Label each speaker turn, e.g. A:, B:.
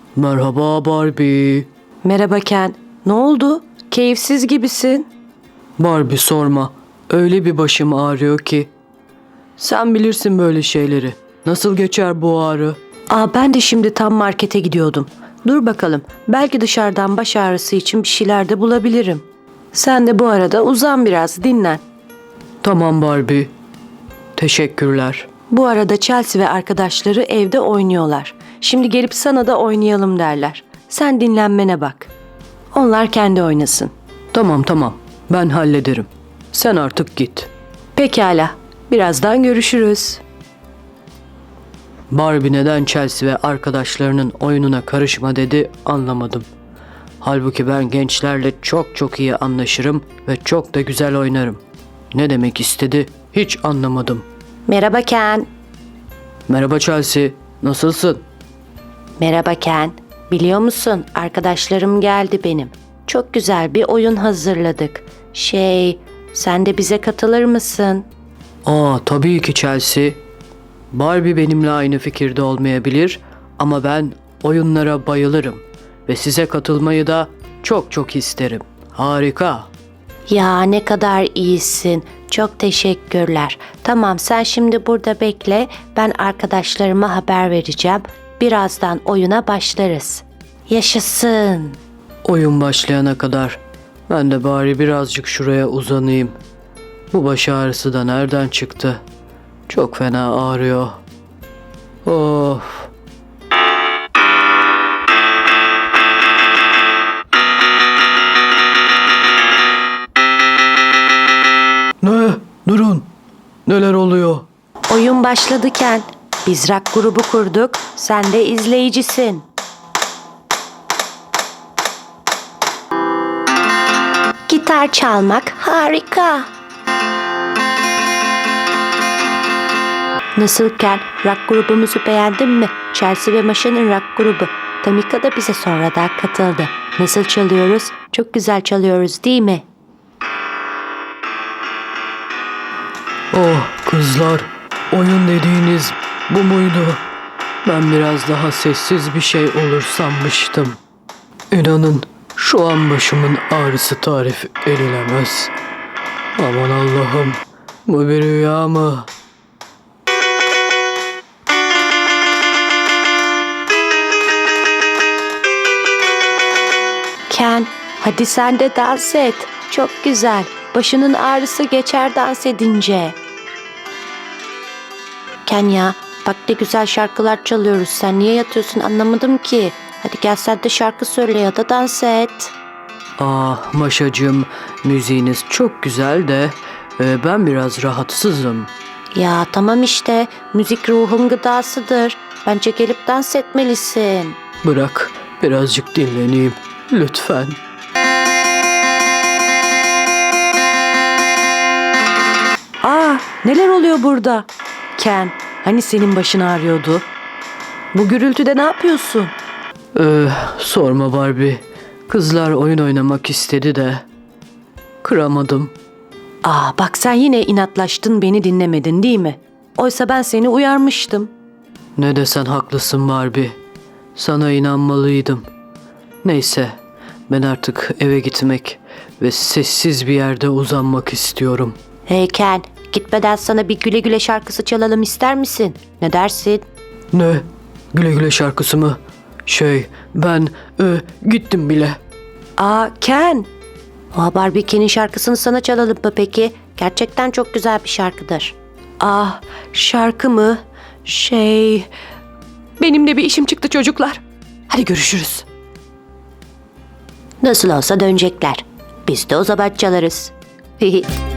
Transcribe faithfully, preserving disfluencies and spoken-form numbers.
A: Merhaba Barbie.
B: Merhaba Ken. Ne oldu? Keyifsiz gibisin.
A: Barbie sorma. Öyle bir başım ağrıyor ki. Sen bilirsin böyle şeyleri. Nasıl geçer bu ağrı?
B: Aa, ben de şimdi tam markete gidiyordum. Dur bakalım. Belki dışarıdan baş ağrısı için bir şeyler de bulabilirim. Sen de bu arada uzan biraz, dinlen.
A: Tamam Barbie. Teşekkürler.
B: Bu arada Chelsea ve arkadaşları evde oynuyorlar. Şimdi gelip sana da oynayalım derler. Sen dinlenmene bak. Onlar kendi oynasın.
A: Tamam tamam. Ben hallederim. Sen artık git.
B: Pekala. Birazdan görüşürüz.
A: Barbie neden Chelsea ve arkadaşlarının oyununa karışma dedi anlamadım. Halbuki ben gençlerle çok çok iyi anlaşırım ve çok da güzel oynarım. Ne demek istedi hiç anlamadım.
B: Merhaba Ken.
A: Merhaba Chelsea, nasılsın?
B: Merhaba Ken. Biliyor musun, arkadaşlarım geldi benim. Çok güzel bir oyun hazırladık. Şey, sen de bize katılır mısın?
A: Aa tabii ki Chelsea. Barbie benimle aynı fikirde olmayabilir ama ben oyunlara bayılırım ve size katılmayı da çok çok isterim. Harika.
B: Ya ne kadar iyisin. Çok teşekkürler. Tamam, sen şimdi burada bekle. Ben arkadaşlarıma haber vereceğim. Birazdan oyuna başlarız. Yaşasın.
A: Oyun başlayana kadar ben de bari birazcık şuraya uzanayım. Bu baş ağrısı da nereden çıktı? Çok fena ağrıyor. Of. Ne? Durun. Neler oluyor?
B: Oyun başladı Ken. Biz rock grubu kurduk. Sen de izleyicisin. Gitar çalmak harika. Nasıl Ken? Rock grubumuzu beğendin mi? Chelsea ve Masha'nın rock grubu. Tamika da bize sonradan katıldı. Nasıl çalıyoruz? Çok güzel çalıyoruz değil mi?
A: Oh kızlar, oyun dediğiniz bu muydu? Ben biraz daha sessiz bir şey olur sanmıştım. İnanın şu an başımın ağrısı tarif edilemez. Aman Allah'ım, bu bir rüya mı?
B: Ken, hadi sen de dans et. Çok güzel. Başının ağrısı geçer dans edince. Ken ya, bak ne güzel şarkılar çalıyoruz. Sen niye yatıyorsun anlamadım ki. Hadi gel sen de şarkı söyle ya da dans et.
A: Ah Maşacığım, müziğiniz çok güzel de e, ben biraz rahatsızım.
B: Ya tamam işte, müzik ruhun gıdasıdır. Bence gelip dans etmelisin.
A: Bırak birazcık dinleneyim lütfen.
B: Aa, neler oluyor burada? Ken, hani senin başın ağrıyordu? Bu gürültüde ne yapıyorsun?
A: Ee, sorma Barbie. Kızlar oyun oynamak istedi de kıramadım.
B: Aa, bak sen yine inatlaştın, beni dinlemedin değil mi? Oysa ben seni uyarmıştım.
A: Ne desen haklısın Barbie. Sana inanmalıydım. Neyse, ben artık eve gitmek ve sessiz bir yerde uzanmak istiyorum.
B: Hey Ken, gitmeden sana bir güle güle şarkısı çalalım ister misin? Ne dersin?
A: Ne? Güle güle şarkısı mı? Şey, ben e, gittim bile.
B: Aa Ken. Aa, Barbie Ken'in şarkısını sana çalalım mı peki? Gerçekten çok güzel bir şarkıdır. Ah, şarkı mı? Şey... Benim de bir işim çıktı çocuklar. Hadi görüşürüz. Nasıl olsa dönecekler. Biz de o zaman çalarız.